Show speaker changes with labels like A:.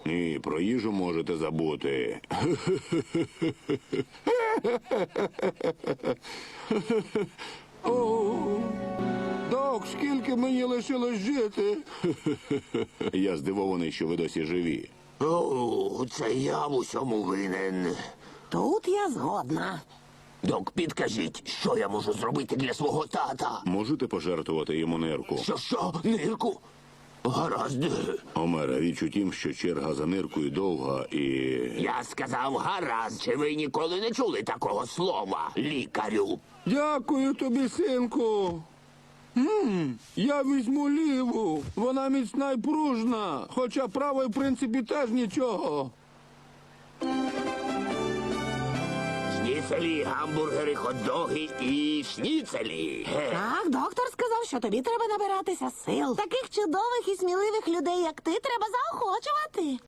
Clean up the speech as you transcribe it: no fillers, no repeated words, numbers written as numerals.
A: Ні, про їжу можете забути.
B: О, док, скільки мені лишилось жити?
A: Я здивований, що ви досі живі.
C: О, це я в усьому винен.
D: Тут я згодна.
C: Док, підкажіть, що я можу зробити для свого тата?
A: Можете пожертвувати йому нирку?
C: Що, нирку? Гаразд.
A: Омере, річ у тім, що черга за ниркою довга і...
C: Я сказав гаразд. Чи ви ніколи не чули такого слова, лікарю?
B: Дякую тобі, синку. Я візьму ліву. Вона міцна й пружна, хоча права, в принципі, теж нічого.
C: Шніцелі, гамбургери, хот-доги і шніцелі.
D: Так, доктор сказав, що тобі треба набиратися сил. Таких чудових і сміливих людей, як ти, треба заохочувати.